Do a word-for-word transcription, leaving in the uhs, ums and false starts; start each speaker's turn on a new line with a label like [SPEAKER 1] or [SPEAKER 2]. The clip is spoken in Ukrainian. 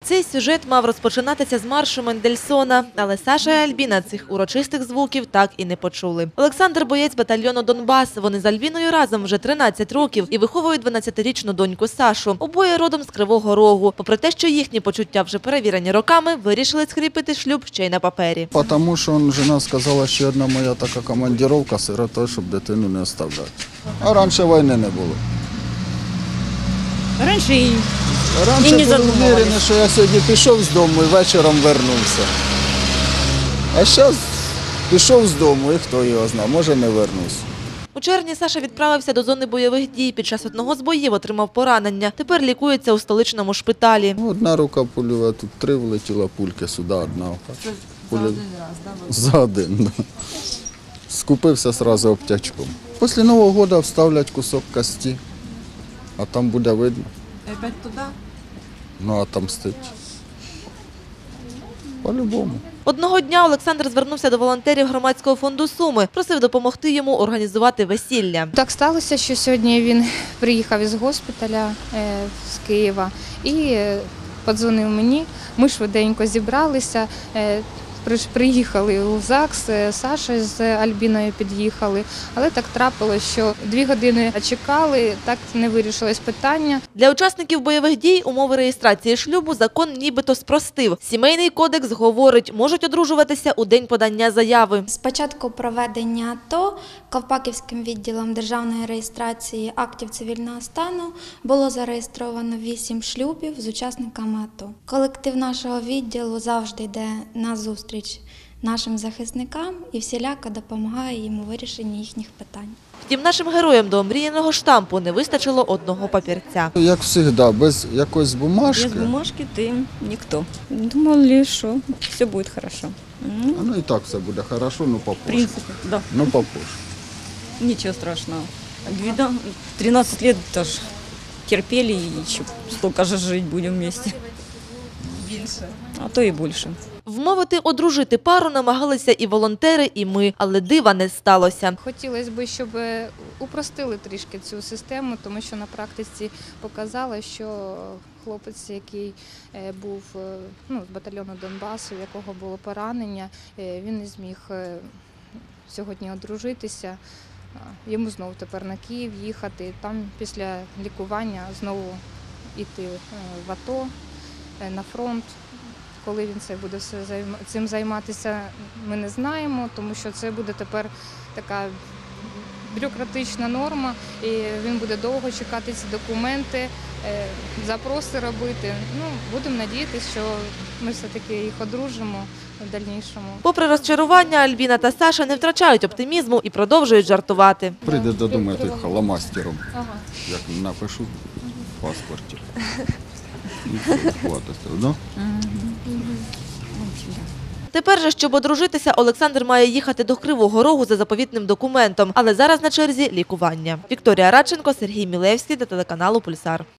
[SPEAKER 1] Цей сюжет мав розпочинатися з маршу Мендельсона, але Саша і Альбіна цих урочистих звуків так і не почули. Олександр – боєць батальйону «Донбас». Вони з Альбіною разом вже тринадцять років і виховують дванадцятирічну доньку Сашу. Обоє родом з Кривого Рогу. Попри те, що їхні почуття вже перевірені роками, вирішили скріпити шлюб ще й на папері.
[SPEAKER 2] Тому що жена сказала, що одна моя така командировка сиротою, щоб дитину не оставляти. А раніше війни не було.
[SPEAKER 3] Раніше і,
[SPEAKER 2] раніше
[SPEAKER 3] і не
[SPEAKER 2] був впевнений, що я сьогодні пішов з дому і вечором вернувся. А зараз пішов з дому і хто його знає, може не вернусь.
[SPEAKER 1] У червні Саша відправився до зони бойових дій. Під час одного з боїв отримав поранення. Тепер лікується у столичному шпиталі.
[SPEAKER 2] Одна рука пульова, тут три влетіла пульки, сюди одна.
[SPEAKER 1] Це
[SPEAKER 2] Пуля...
[SPEAKER 1] за один раз, так? Да?
[SPEAKER 2] За один, да. Скупився одразу обтячком. Після Нового року вставлять кусок кості, а там буде видно.
[SPEAKER 1] І опять туди?
[SPEAKER 2] Ну, а там стить. По-любому.
[SPEAKER 1] Одного дня Олександр звернувся до волонтерів громадського фонду «Суми». Просив допомогти йому організувати весілля.
[SPEAKER 4] Так сталося, що сьогодні він приїхав із госпіталя з Києва і подзвонив мені. Ми швиденько зібралися, приїхали у ЗАГС, Саша з Альбіною під'їхали. Але так трапилося, що дві години чекали, так не вирішилось питання.
[SPEAKER 1] Для учасників бойових дій умови реєстрації шлюбу закон нібито спростив. Сімейний кодекс говорить, можуть одружуватися у день подання заяви.
[SPEAKER 5] З початку проведення АТО Ковпаківським відділом державної реєстрації актів цивільного стану було зареєстровано вісім шлюбів з учасниками АТО. Колектив нашого відділу завжди йде на зустріч нашим захисникам і всіляко допомагає їм у вирішенні їхніх питань.
[SPEAKER 1] Втім, нашим героям до омріяного штампу не вистачило одного папірця.
[SPEAKER 2] Як завжди, без якоїсь бумажки.
[SPEAKER 3] Без бумажки ти ніхто. Думали, що все буде добре.
[SPEAKER 2] Ну, ну і так все буде добре, ну попозже.
[SPEAKER 3] В принципі, да.
[SPEAKER 2] Ну попозже.
[SPEAKER 3] Нічого страшного. тринадцать лет тоже терпели и еще столько же жить будем вместе. Більше. А то і більше.
[SPEAKER 1] Вмовити одружити пару намагалися і волонтери, і ми, але дива не сталося.
[SPEAKER 4] Хотілося б, щоб упростили трішки цю систему, тому що на практиці показало, що хлопець, який був ну, з батальйону Донбасу, у якого було поранення, він не зміг сьогодні одружитися. Йому знову тепер на Київ їхати, там після лікування знову йти в АТО, на фронт. Коли він це буде все цим займатися, ми не знаємо, тому що це буде тепер така бюрократична норма, і він буде довго чекати ці документи, запроси робити. Ну, будемо надіятися, що ми все-таки їх одружимо в дальнішому.
[SPEAKER 1] Попри розчарування, Альбіна та Саша не втрачають оптимізму і продовжують жартувати.
[SPEAKER 2] Прийде додому я халамастером, ага. Як напишу в паспорті. Ну?
[SPEAKER 1] Тепер же, щоб одружитися, Олександр має їхати до Кривого Рогу за заповітним документом. Але зараз на черзі лікування. Вікторія Радченко, Сергій Мілевський для телеканалу «Пульсар».